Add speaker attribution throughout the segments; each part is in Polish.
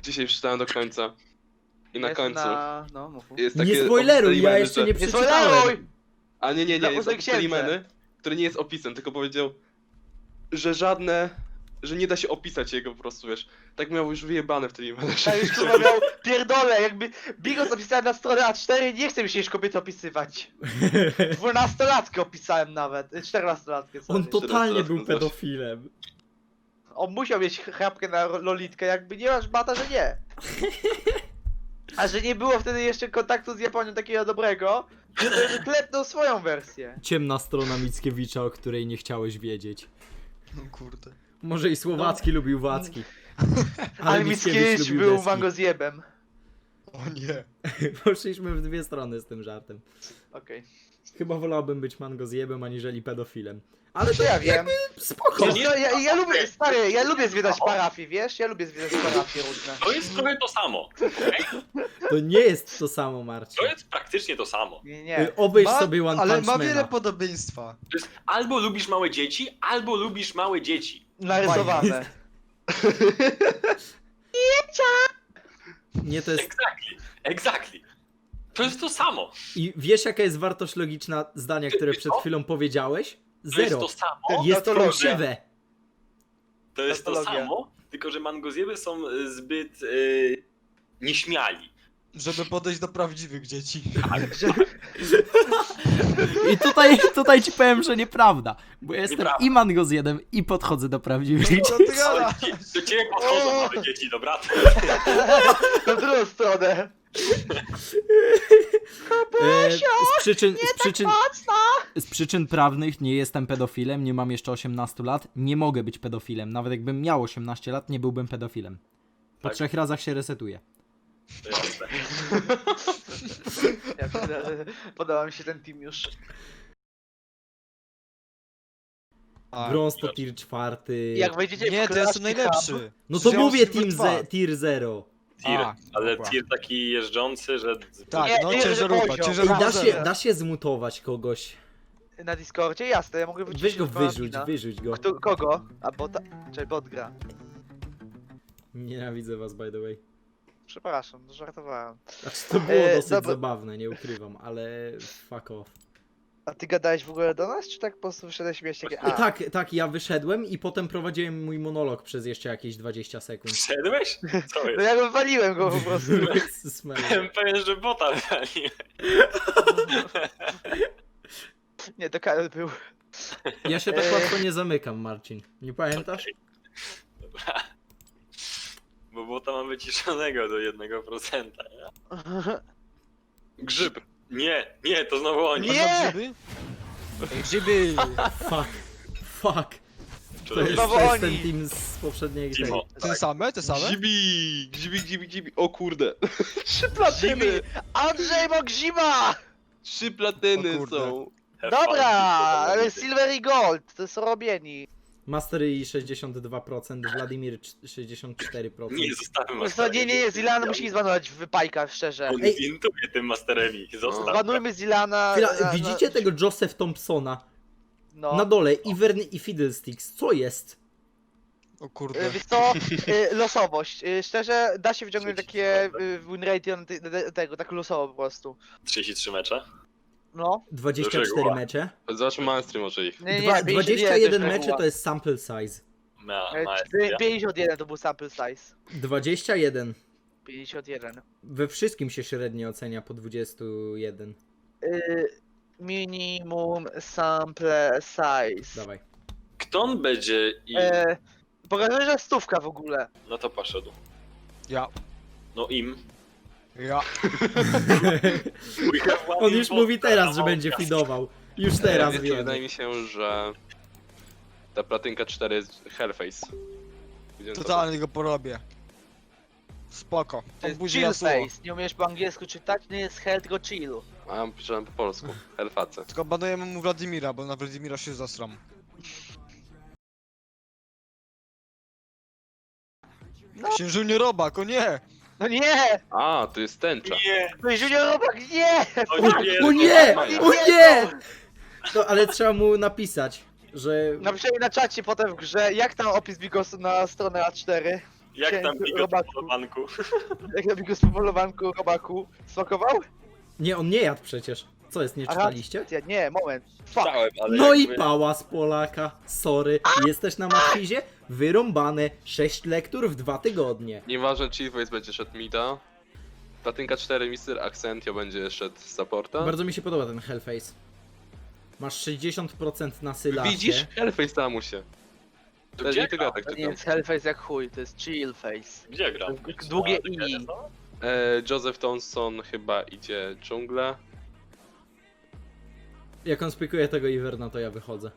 Speaker 1: Dzisiaj przeczytałem do końca. I na końcu
Speaker 2: No, mów.
Speaker 1: jest
Speaker 3: Nie
Speaker 1: takie
Speaker 3: spoileruj, ja
Speaker 1: opisane,
Speaker 3: jeszcze
Speaker 1: że-
Speaker 3: nie przeczytałem.
Speaker 2: spoileruj!
Speaker 1: A nie,
Speaker 2: Dla
Speaker 1: jest
Speaker 2: ósmej
Speaker 1: opis
Speaker 2: księdze.
Speaker 1: Limeny, który nie jest opisem, tylko powiedział, że że nie da się opisać jego po prostu, wiesz. Tak miał już wyjebane w tej Limenie.
Speaker 2: Ja już kurwa miał pierdolę, jakby Bigos opisałem na stronę A4, nie chcę mi się już kobiety opisywać. 12-latkę opisałem nawet, 14-latkę.
Speaker 3: On
Speaker 2: sorry.
Speaker 3: totalnie
Speaker 1: teraz
Speaker 3: był
Speaker 1: coś.
Speaker 3: pedofilem.
Speaker 2: On musiał mieć chrapkę na lolitkę, jakby nie masz bata, że nie. A że nie było wtedy jeszcze kontaktu z Japonią takiego dobrego, że klepnął swoją wersję.
Speaker 3: Ciemna strona Mickiewicza, o której nie chciałeś wiedzieć.
Speaker 4: No kurde.
Speaker 3: Może i Słowacki lubił Wacki.
Speaker 2: Ale Mickiewicz
Speaker 3: lubił
Speaker 2: był
Speaker 3: deski.
Speaker 2: mangozjebem.
Speaker 4: O nie.
Speaker 3: Poszliśmy w dwie strony z tym żartem.
Speaker 2: Okej.
Speaker 3: Chyba wolałbym być mangozjebem aniżeli pedofilem. Ale to
Speaker 2: Ja wiem.
Speaker 3: spoko.
Speaker 2: Wiesz co, ja lubię, stary, ja lubię zwiedzać parafie, wiesz? Ja lubię zwiedzać parafie różne.
Speaker 5: To jest trochę to samo. okej?
Speaker 3: To nie jest to samo, Marcin.
Speaker 5: To jest praktycznie to samo.
Speaker 2: Nie.
Speaker 3: Obejrz sobie One
Speaker 4: Ale
Speaker 3: Punch
Speaker 4: ma wiele
Speaker 3: Mana.
Speaker 4: podobieństwa.
Speaker 5: To jest albo lubisz małe dzieci, albo lubisz małe dzieci.
Speaker 2: Narysowane.
Speaker 3: Nie, to jest...
Speaker 5: Exactly. To jest to samo.
Speaker 3: I wiesz jaka jest wartość logiczna zdania, które przed chwilą powiedziałeś?
Speaker 5: To jest
Speaker 3: Zero.
Speaker 5: to samo.
Speaker 3: Jest
Speaker 2: Tautologia.
Speaker 3: fałszywe.
Speaker 5: To jest to
Speaker 2: Tautologia.
Speaker 5: samo, tylko że mangozjeby są zbyt nieśmiali.
Speaker 4: Żeby podejść do prawdziwych dzieci.
Speaker 3: I tutaj ci powiem, że nieprawda. Bo ja jestem
Speaker 5: Nieprawda.
Speaker 3: i mangozjedem i podchodzę do prawdziwych
Speaker 4: Co
Speaker 3: dzieci.
Speaker 4: ty gadasz?
Speaker 5: Do ciebie podchodzą małe dzieci, dobra?
Speaker 2: Na drugą stronę.
Speaker 3: Z przyczyn prawnych nie jestem pedofilem, nie mam jeszcze 18 lat, nie mogę być pedofilem. Nawet jakbym miał 18 lat, nie byłbym pedofilem. Po
Speaker 5: Tak.
Speaker 3: 3 razach się resetuje.
Speaker 5: To jest
Speaker 2: Podoba mi się ten team już.
Speaker 3: Brąz to tier 4.
Speaker 2: Jak wejdziecie
Speaker 4: Nie,
Speaker 2: w
Speaker 4: to ja jestem
Speaker 2: Clash
Speaker 4: najlepszy.
Speaker 2: Hub,
Speaker 3: No to
Speaker 4: Ja
Speaker 3: mówię
Speaker 4: mam Silver 2.
Speaker 3: tier 0.
Speaker 5: tir,
Speaker 4: A,
Speaker 5: ale
Speaker 4: dobra.
Speaker 5: tir taki jeżdżący, że...
Speaker 4: Tak,
Speaker 2: Nie,
Speaker 4: no
Speaker 2: nie,
Speaker 4: ciężarówka,
Speaker 2: poziom.
Speaker 3: Ej,
Speaker 4: ciężarówka.
Speaker 3: da się zmutować kogoś.
Speaker 2: na Discordzie? Jasne, ja mogę wyciszyć
Speaker 3: Weź go wyrzuć,
Speaker 2: Konrada.
Speaker 3: wyrzuć go.
Speaker 2: Kogo? A bota? Czy bot gra?
Speaker 3: Nienawidzę was, by the way.
Speaker 2: Przepraszam, żartowałem.
Speaker 3: Znaczy to było dosyć
Speaker 2: dobra.
Speaker 3: zabawne, nie ukrywam, ale fuck off.
Speaker 2: A ty gadałeś w ogóle do nas, czy tak po prostu wyszedłeś śmiać takie
Speaker 3: Tak, ja wyszedłem i potem prowadziłem mój monolog przez jeszcze jakieś 20 sekund.
Speaker 5: Wszedłeś? Co
Speaker 2: No
Speaker 5: jest?
Speaker 2: ja wywaliłem go po prostu.
Speaker 3: Jezus Maria.
Speaker 5: Byłem pewien, że bota wali.
Speaker 2: Nie, to Karol był.
Speaker 3: Ja się tak łatwo nie zamykam, Marcin. Nie pamiętasz?
Speaker 5: Dobra. Bo bota mam wyciszonego do 1%.
Speaker 1: Grzyb.
Speaker 5: Nie, to znowu oni.
Speaker 2: Nie!
Speaker 4: Grzyby? Ej, grzyby!
Speaker 3: Fuck.
Speaker 5: Czy
Speaker 3: To jest,
Speaker 2: Znowu
Speaker 3: to jest ten
Speaker 2: oni.
Speaker 3: team z poprzedniej tej.
Speaker 5: Timo.
Speaker 4: Te same, te same?
Speaker 1: Gzibi. O kurde. 3
Speaker 2: Zimy!
Speaker 1: platyny.
Speaker 2: Andrzej Mogzima!
Speaker 1: 3 platyny
Speaker 4: O kurde.
Speaker 1: są.
Speaker 5: Have
Speaker 2: Dobra,
Speaker 5: fun.
Speaker 2: ale Silver i Gold, to są robieni.
Speaker 3: Mastery 62%, Wladimir 64%.
Speaker 5: Nie, zostawmy
Speaker 2: Nie,
Speaker 5: masterem.
Speaker 2: nie, Zilana musimy zbanować w wypajkach, szczerze.
Speaker 5: On
Speaker 3: Ej.
Speaker 5: wintuje tym masteremi. Zostaw.
Speaker 2: Zbanujmy Zilana.
Speaker 3: Chwila, widzicie tego Joseph Thompsona?
Speaker 2: No.
Speaker 3: Na dole, Ivern i Fiddlesticks. Co jest?
Speaker 4: O kurde.
Speaker 2: Wiesz co, losowość. Szczerze, da się wyciągnąć takie win rate tego, tak losowo po prostu.
Speaker 5: 33 mecze.
Speaker 2: No.
Speaker 3: 24
Speaker 5: reguła.
Speaker 3: mecze.
Speaker 1: Zobaczmy mainstream może ich.
Speaker 2: Nie, 51
Speaker 3: 21 mecze
Speaker 2: reguła.
Speaker 3: to jest sample size.
Speaker 5: Maestria.
Speaker 2: 51 to był sample size.
Speaker 3: 21.
Speaker 2: 51.
Speaker 3: We wszystkim się średnio ocenia po 21.
Speaker 2: Minimum sample size.
Speaker 3: Dawaj.
Speaker 5: Kto on będzie i...
Speaker 2: Pokazuję, że stówka w ogóle.
Speaker 5: No to poszedł.
Speaker 4: Ja.
Speaker 5: No im.
Speaker 4: Ja.
Speaker 3: On już mówi teraz, że będzie feedował. Już teraz
Speaker 1: Wiecie,
Speaker 3: wiem.
Speaker 1: wydaje mi się, że ta platynka 4 jest Hellface. Widziałem to.
Speaker 4: Totalnie go porobię. Spoko.
Speaker 2: To jest
Speaker 4: Obuzi
Speaker 2: chill
Speaker 4: Yasuo.
Speaker 2: face. Nie umiesz po angielsku czytać? Nie jest hell, tylko chill.
Speaker 1: A ja pisałem po polsku. Hellface.
Speaker 4: Tylko banujemy mu Wladimira, bo na Wladimira się zasram.
Speaker 2: No.
Speaker 4: Księżuniu Robak, o nie!
Speaker 2: No nie!
Speaker 1: A, to jest tęcza.
Speaker 5: Nie!
Speaker 2: No i Junior Robak, nie!
Speaker 5: O nie!
Speaker 3: O nie! O nie! No ale trzeba mu napisać, że...
Speaker 2: Napiszemy na czacie potem w grze, jak tam opis Bigosu na stronę A4.
Speaker 5: Jak tam
Speaker 2: Dzięki,
Speaker 5: Bigo
Speaker 2: robaku.
Speaker 5: po banku?
Speaker 2: Jak na biegu z powolowanku robaku smakował?
Speaker 3: Nie, on nie jadł przecież. Co jest, nie
Speaker 2: Aha,
Speaker 3: czytaliście?
Speaker 2: nie, moment. Fuck.
Speaker 5: Czytałem, ale
Speaker 3: No i
Speaker 5: jakby-
Speaker 3: pała z Polaka. Sorry. Jesteś na matwizie? Wyrąbane. 6 lektur w 2 tygodnie.
Speaker 1: Nieważne, Chief Waze będzie szedł mida. Platynka 4, Mr. Accentio będzie szedł z supporta.
Speaker 3: Bardzo mi się podoba ten Hellface. Masz 60% na sylasie.
Speaker 1: Widzisz? Hellface Tamusie.
Speaker 5: To
Speaker 1: Też
Speaker 5: gdzie
Speaker 1: nie tylko ja tak
Speaker 2: To nie
Speaker 1: czytam.
Speaker 2: jest hellface jak chuj, to jest chillface.
Speaker 5: Gdzie gram?
Speaker 2: Długie
Speaker 5: Na
Speaker 2: i.
Speaker 5: DKS, no?
Speaker 1: Joseph Thompson chyba idzie dżunglę.
Speaker 3: Jak on spikuje tego Iverna, to ja wychodzę.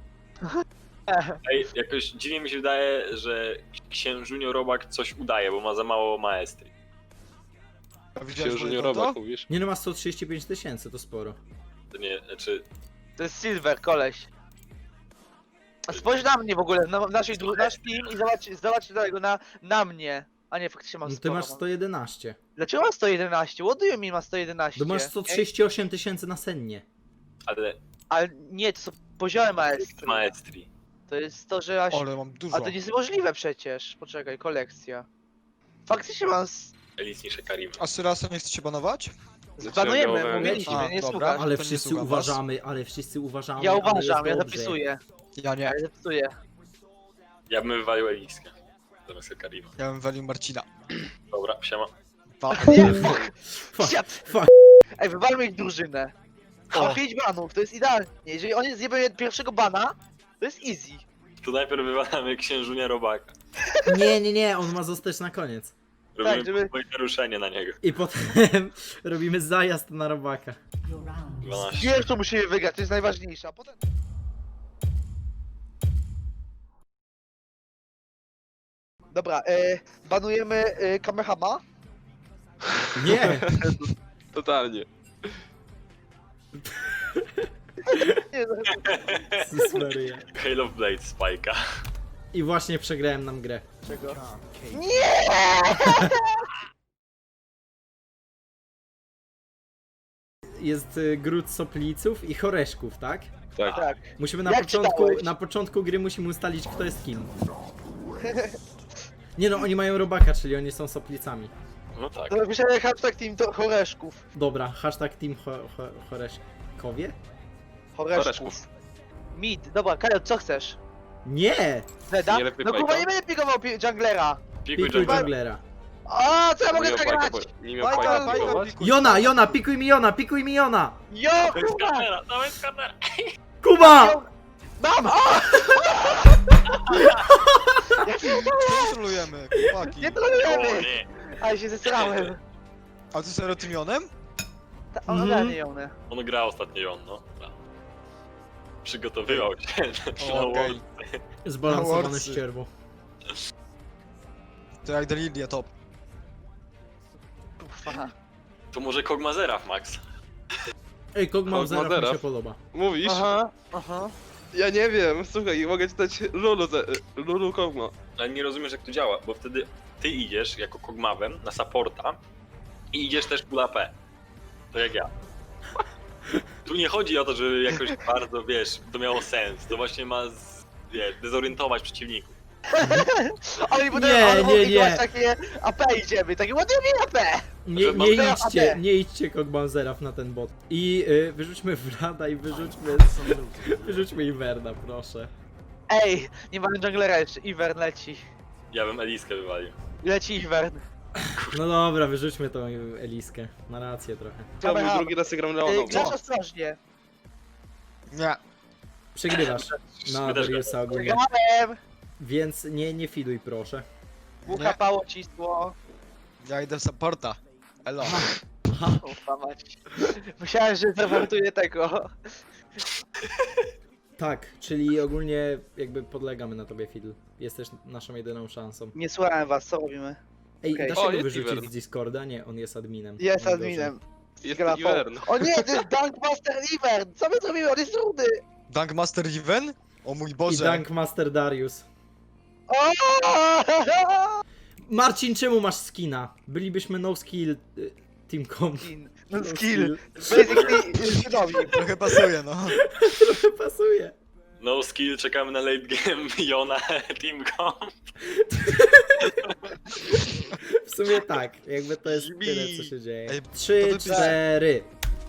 Speaker 5: Ej, jakoś dziwnie mi się wydaje, że księżunio Robak coś udaje, bo ma za mało maestry.
Speaker 4: A widziałeś
Speaker 1: Księżu
Speaker 4: moje
Speaker 1: nie
Speaker 4: konto?
Speaker 1: robak, mówisz?
Speaker 3: Nie no, ma 135 000, to sporo.
Speaker 5: To nie, znaczy...
Speaker 2: To jest silver, koleś. A spójrz na mnie w ogóle, nasz team i zobacz tego na mnie. A nie, faktycznie mam
Speaker 3: No ty
Speaker 2: sporo,
Speaker 3: masz
Speaker 2: mam.
Speaker 3: 111.
Speaker 2: Dlaczego ma 111? What do you mean ma 111?
Speaker 3: To masz 138 000 na sennie.
Speaker 5: Ale
Speaker 2: Ale nie, to są poziomy maestry.
Speaker 5: maestri.
Speaker 2: To jest to, że aż...
Speaker 4: Ale mam dużo.
Speaker 2: A to nie jest możliwe przecież. Poczekaj, kolekcja. Faktycznie mam...
Speaker 5: Elis niż Karim.
Speaker 4: A Syrasa nie chce się banować?
Speaker 2: Zbanujemy,
Speaker 1: Chciałem
Speaker 2: mówiliśmy,
Speaker 4: A,
Speaker 2: nie
Speaker 4: dobra.
Speaker 2: słuchasz.
Speaker 3: Ale
Speaker 4: to nie
Speaker 3: wszyscy
Speaker 4: słucham was.
Speaker 3: uważamy, ale wszyscy uważamy.
Speaker 2: Ja
Speaker 3: ale
Speaker 2: uważam, ja
Speaker 3: jest dobrze.
Speaker 2: zapisuję.
Speaker 4: Ja nie.
Speaker 2: Ja zapisuję.
Speaker 5: Ja bym wywalił Eliskę. Zamiast Karima.
Speaker 4: Ja bym walił Marcina.
Speaker 5: Dobra, siema.
Speaker 2: Nie, fuck!
Speaker 3: Fuck,
Speaker 2: Shit.
Speaker 3: fuck.
Speaker 2: Ej, wywalmy ich drużynę.
Speaker 4: O.
Speaker 2: Mam 5 banów, to jest idealnie. Jeżeli oni zjebią pierwszego bana, to jest easy.
Speaker 5: To najpierw wywalamy księżunia Robaka.
Speaker 3: Nie, on ma zostać na koniec.
Speaker 5: Robimy
Speaker 2: żeby-
Speaker 5: tak, naruszenie na niego.
Speaker 3: I potem robimy zajazd na robaka.
Speaker 5: 12.
Speaker 2: Pierwszą musimy wygrać, to jest najważniejsze, a potem... Dobra, banujemy Kamehama.
Speaker 3: Nie!
Speaker 1: Totalnie.
Speaker 2: Nie,
Speaker 3: Jezus Maria.
Speaker 5: Halo of Blade Spike'a.
Speaker 3: I właśnie przegrałem nam grę.
Speaker 2: dlaczego?
Speaker 3: Jest gród sopliców i choreszków, tak?
Speaker 1: Tak.
Speaker 2: Tak.
Speaker 3: Musimy na
Speaker 2: Jak
Speaker 3: początku,
Speaker 2: czytałeś?
Speaker 3: na początku gry musimy ustalić, kto jest kim. Nie no, oni mają robaka, czyli oni są soplicami.
Speaker 5: No tak.
Speaker 2: To napiszemy hashtag team to choreszków.
Speaker 3: Dobra, hashtag team choreszkowie?
Speaker 2: Choreszków.
Speaker 1: Choreszków.
Speaker 2: Mid, dobra, Kajo, co chcesz?
Speaker 3: Nie!
Speaker 2: Zeda?
Speaker 1: Nie lepiej
Speaker 2: No kurwa,
Speaker 1: Pajka?
Speaker 2: nie będę pikował junglera.
Speaker 5: Pikuj
Speaker 3: Pikuj
Speaker 5: jungle.
Speaker 3: junglera.
Speaker 2: A, co ja
Speaker 1: Nie
Speaker 2: mogę
Speaker 1: miał
Speaker 2: zagrać?
Speaker 1: Pajka, nie miał
Speaker 4: Pajka,
Speaker 1: Pajka
Speaker 4: Pajka,
Speaker 1: pikować.
Speaker 4: pikuj.
Speaker 3: Jona, pikuj mi Jona, pikuj mi Jona!
Speaker 2: Jo,
Speaker 5: To jest
Speaker 2: kurwa!
Speaker 5: karnera, to jest karnera.
Speaker 3: Kuba!
Speaker 2: Mam! O!
Speaker 4: Kontrolujemy, chłopaki.
Speaker 2: Nie
Speaker 5: O
Speaker 2: trolujemy!
Speaker 5: nie.
Speaker 2: Ale się zesrałem.
Speaker 4: A ty serio tym Jonem?
Speaker 2: Ona
Speaker 3: Mhm.
Speaker 2: nie ją,
Speaker 5: On gra ostatnio on, no. Przygotowywał się.
Speaker 4: O, okej.
Speaker 3: Zbalansowane
Speaker 4: Worcy.
Speaker 3: ścierwo.
Speaker 4: To jak Delilia top.
Speaker 2: Kurwa.
Speaker 5: To może Kogmazera, Max.
Speaker 3: Ej, Kogma Zeraf mi
Speaker 1: Zeraf.
Speaker 3: się podoba.
Speaker 1: Mówisz?
Speaker 2: Aha, aha.
Speaker 1: Ja nie wiem, słuchaj, mogę czytać Lulu Kogma.
Speaker 5: Ale nie rozumiesz jak to działa, bo wtedy ty idziesz jako Kogmawem na supporta i idziesz też full AP. To jak ja. Tu nie chodzi o to, żeby jakoś bardzo, wiesz, to miało sens. To właśnie ma, wiesz, dezorientować przeciwników.
Speaker 2: Ale i potem
Speaker 3: Nie, nie, nie.
Speaker 2: takie AP idziemy, takie ładnie AP!
Speaker 3: Nie,
Speaker 5: Że mam
Speaker 3: nie
Speaker 2: teraz
Speaker 3: idźcie,
Speaker 2: AD.
Speaker 3: nie idźcie Kogma Zeraf na ten bot. I wyrzućmy Vlada i wyrzućmy Iverna, proszę.
Speaker 2: Ej, nie mamy junglera jeszcze, Ivern leci.
Speaker 5: Ja bym Eliskę wywalił.
Speaker 2: Leci Ivern.
Speaker 3: No dobra, wyrzućmy tą Eliskę. Ma rację trochę.
Speaker 1: Ja
Speaker 2: Dobra.
Speaker 1: drugi raz gram Leoną.
Speaker 2: Grasz ostrożnie.
Speaker 4: Nie.
Speaker 3: Przegrywasz na
Speaker 5: My też
Speaker 3: Dariusa ogólnie.
Speaker 2: Grałem!
Speaker 3: Więc nie fiduj proszę.
Speaker 2: Uchapało cisło.
Speaker 4: Ja idę w supporta. Elo.
Speaker 2: Ufa mać. Myślałem, że zawartuję tego.
Speaker 3: Tak, czyli ogólnie jakby podlegamy na tobie Fidl. Jesteś naszą jedyną szansą.
Speaker 2: Nie słuchałem was, co robimy?
Speaker 3: Ej,
Speaker 2: Okej.
Speaker 3: da się
Speaker 1: O,
Speaker 3: go
Speaker 1: jest
Speaker 3: wyrzucić
Speaker 1: Ivern.
Speaker 3: z Discorda? Nie, on jest adminem.
Speaker 2: Jest
Speaker 3: Najgorzej.
Speaker 2: adminem.
Speaker 1: Jest
Speaker 2: Grafą.
Speaker 1: Ivern.
Speaker 2: O nie, to jest Dunkmaster Ivern! Co my zrobimy? On jest rudy!
Speaker 4: Dunkmaster Even? O mój
Speaker 3: I
Speaker 4: Boże.
Speaker 3: Dunkmaster Darius.
Speaker 2: O!
Speaker 3: Marcin, czemu masz skina? Bylibyśmy no skill teamcom.
Speaker 2: No
Speaker 3: No
Speaker 2: skill. Basically, synowi.
Speaker 4: Trochę pasuje, no.
Speaker 3: Trochę pasuje.
Speaker 5: No skill, czekamy na late game Jona Teamcom.
Speaker 3: W sumie tak, jakby to jest
Speaker 1: Brzmi.
Speaker 3: tyle, co się dzieje.
Speaker 4: Ej,
Speaker 3: 3,
Speaker 4: to wypisz-
Speaker 3: 4.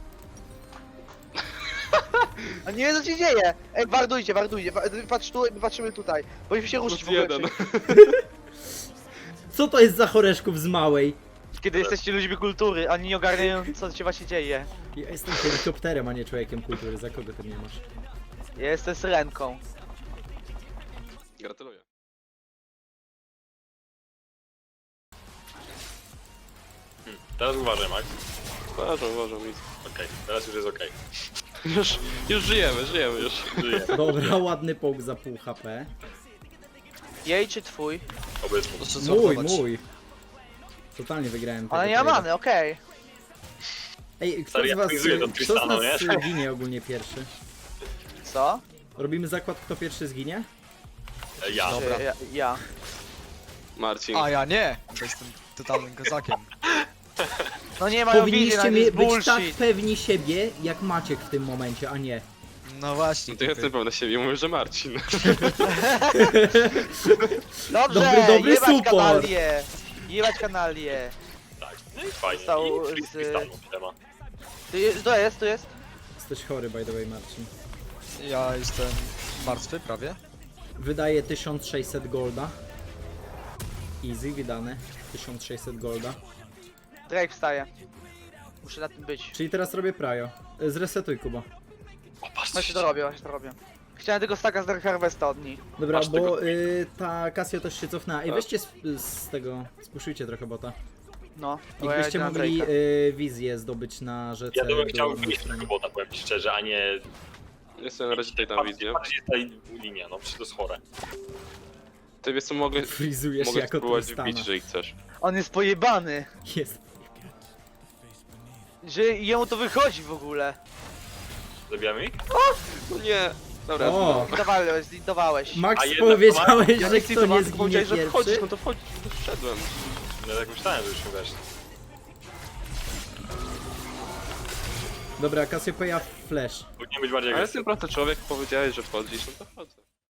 Speaker 2: A nie wiem co się dzieje! Ej, wardujcie, patrz tu, my patrzymy tutaj. Powinniśmy się ruszyć w
Speaker 1: Plus
Speaker 2: ogóle.
Speaker 1: jeden.
Speaker 3: Co to jest za choreszków z małej?
Speaker 2: Kiedy jesteście ludźmi kultury, a nie ogarniają co się właśnie dzieje.
Speaker 3: Ja jestem helikopterem, a nie człowiekiem kultury, za kogo ty mnie masz?
Speaker 2: Ja jestem syrenką.
Speaker 1: Gratuluję.
Speaker 5: Teraz uważaj, Max.
Speaker 1: Uważam, nic.
Speaker 5: Okej, teraz już jest okej.
Speaker 1: Już żyjemy już.
Speaker 5: Żyję,
Speaker 3: Dobra, ładny poke za pół HP.
Speaker 2: Jej czy twój?
Speaker 5: obecnie.
Speaker 4: Proszę
Speaker 3: Mój,
Speaker 4: zortować.
Speaker 3: mój. Totalnie wygrałem tego
Speaker 2: Ale nie ma
Speaker 3: trade'a.
Speaker 2: many, okej.
Speaker 3: Ej, kto
Speaker 5: Stary,
Speaker 3: z
Speaker 5: ja
Speaker 3: was,
Speaker 5: frizuję do
Speaker 3: kto z
Speaker 5: Tristana,
Speaker 3: nas
Speaker 5: nie?
Speaker 3: ginie ogólnie pierwszy?
Speaker 2: Co?
Speaker 3: Robimy zakład, kto pierwszy zginie?
Speaker 5: Ja.
Speaker 4: Dobra.
Speaker 2: Czy ja.
Speaker 1: Marcin.
Speaker 4: A ja nie, bo jestem totalnym kozakiem.
Speaker 2: No nie mają wizji na
Speaker 3: Powinniście
Speaker 2: nic,
Speaker 3: być tak
Speaker 2: bullshit.
Speaker 3: pewni siebie, jak Maciek w tym momencie, a nie.
Speaker 4: No właśnie.
Speaker 1: No to ja jestem pewny siebie, mówię, że Marcin.
Speaker 2: Dobrze,
Speaker 3: dobry
Speaker 2: jebać
Speaker 3: support.
Speaker 2: kanalię. Jebać kanalię.
Speaker 5: Tak. No i fajnie.
Speaker 2: Został
Speaker 5: I
Speaker 2: z-
Speaker 5: Tristanu siema.
Speaker 2: Tu jest.
Speaker 3: Jesteś chory, by the way, Marcin.
Speaker 4: Ja jestem martwy prawie.
Speaker 3: Wydaje 1600 golda. Easy, wydane. 1600 golda.
Speaker 2: Drake wstaje. Muszę na tym być.
Speaker 3: Czyli teraz robię prajo. Zresetuj, Kuba.
Speaker 5: O, patrz,
Speaker 2: Właśnie to robię, właśnie to robię. Chciałem tego staka z Dark Harvesta od nich.
Speaker 3: Dobra,
Speaker 5: Masz
Speaker 3: bo
Speaker 5: tego-
Speaker 3: ta Casio też się cofnęła. Ej,
Speaker 1: Tak.
Speaker 3: weźcie z tego, spuszujcie trochę bota.
Speaker 2: No. bo ja
Speaker 3: Jakbyście
Speaker 2: idę na
Speaker 3: mogli
Speaker 2: Drake'a.
Speaker 3: wizję zdobyć na rzece.
Speaker 5: Ja to bym chciał
Speaker 3: dolnej
Speaker 5: wyjść
Speaker 3: stronie.
Speaker 5: tego bota, powiem ci szczerze, a nie...
Speaker 1: Jestem na razie tutaj tam wizję.
Speaker 5: Patrz, jest ta linia, no przecież to jest chore.
Speaker 1: Ty wiesz co, mogę
Speaker 3: Frizujesz
Speaker 1: mogę
Speaker 3: jako
Speaker 1: spróbować
Speaker 3: Tristana.
Speaker 1: wbić, jeżeli chcesz.
Speaker 2: On jest pojebany.
Speaker 3: Jest.
Speaker 2: Że jemu to wychodzi w ogóle.
Speaker 5: Zabijamy ich?
Speaker 1: No nie. Dobra,
Speaker 3: O!
Speaker 2: Zlitowałeś.
Speaker 3: Max
Speaker 5: A jednak
Speaker 3: powiedziałeś,
Speaker 1: ja
Speaker 3: że
Speaker 1: nie
Speaker 3: kto nie zginie
Speaker 1: powiedziałeś, że
Speaker 3: pierwszy?
Speaker 1: wchodzisz, no to wchodzisz, no to wszedłem.
Speaker 5: Ja tak myślałem, że już nie wiesz.
Speaker 3: Dobra, Cassiopeia flash.
Speaker 5: Powinien być bardziej
Speaker 1: Ale
Speaker 5: agresywny.
Speaker 1: jestem prosty człowiek, powiedziałeś, że wchodzisz, no to wchodzę.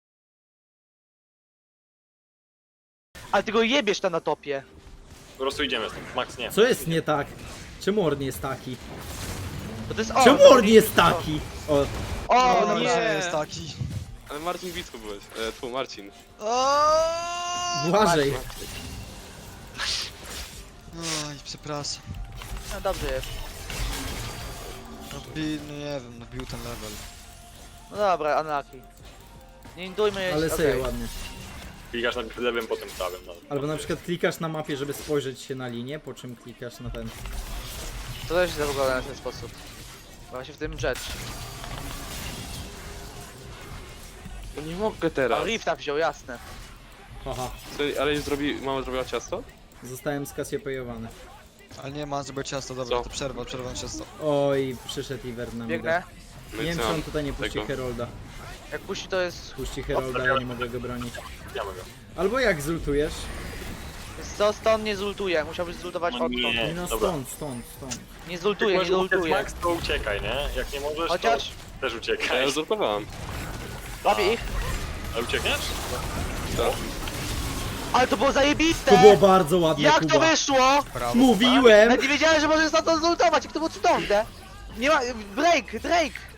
Speaker 2: Ale ty go jebiesz tam na topie.
Speaker 5: Po prostu idziemy stąd. Max nie.
Speaker 3: Co jest nie tak? Czemu Orn jest taki?
Speaker 2: Bo to jest on.
Speaker 3: Czemu Orn jest taki? O,
Speaker 2: O,
Speaker 4: No
Speaker 2: no
Speaker 4: nie
Speaker 2: nie.
Speaker 4: jest taki.
Speaker 1: Ale Marcin Wicku byłeś. Marcin.
Speaker 3: Błażej.
Speaker 4: Oj, przepraszam.
Speaker 2: No dobrze jest.
Speaker 4: No nie wiem, nabił ten level.
Speaker 2: No dobra, unlucky. Nie indujmy
Speaker 3: Ale
Speaker 2: okej.
Speaker 3: sobie ładnie.
Speaker 5: Klikasz najpierw lewym, potem prawym. No.
Speaker 3: Albo na przykład klikasz na mapie, żeby spojrzeć się na linię, po czym klikasz na ten.
Speaker 2: To też się wygląda na ten sposób. Właśnie w tym rzecz.
Speaker 1: No nie mogę
Speaker 2: A
Speaker 1: teraz.
Speaker 2: Rifta wziął, jasne.
Speaker 3: Haha.
Speaker 1: Co, ale już mama zrobiła ciasto?
Speaker 3: Zostałem skasiopejowany.
Speaker 4: Ale nie ma, żeby ciasto, dobra,
Speaker 1: Co?
Speaker 4: to przerwa ciasto.
Speaker 3: Oj, przyszedł Iwer na mnie.
Speaker 2: Biegnę.
Speaker 1: No
Speaker 3: Nie
Speaker 1: i
Speaker 3: wiem,
Speaker 1: co
Speaker 3: czy
Speaker 1: mam
Speaker 3: on tutaj nie puści
Speaker 1: tego?
Speaker 3: Herolda.
Speaker 2: Jak puści to jest...
Speaker 3: Puści Herolda, ja nie mogę go bronić.
Speaker 5: Zabijamy go.
Speaker 3: Albo jak zultujesz?
Speaker 2: Co stąd nie zultuje, musiałbyś zultować
Speaker 5: No
Speaker 2: odtąd.
Speaker 5: nie.
Speaker 3: No
Speaker 5: dobra.
Speaker 3: stąd.
Speaker 2: Nie zultuje, nie
Speaker 5: Jak możesz uciec,
Speaker 2: zultuje.
Speaker 5: Max, to uciekaj, nie? Jak nie możesz,
Speaker 2: Chociaż...
Speaker 5: to też
Speaker 1: Ja
Speaker 5: uciekaj.
Speaker 1: już zurkowałem.
Speaker 2: Łapię ich.
Speaker 5: A uciekniesz?
Speaker 2: Ale to było zajebiste!
Speaker 3: To było bardzo ładne,
Speaker 2: Jak
Speaker 3: Kuba.
Speaker 2: to wyszło?
Speaker 4: Brawo.
Speaker 3: Mówiłem!
Speaker 2: Nawet nie wiedziałem, że możesz stąd zultować, jak to było cudowne. Nie ma... Drake!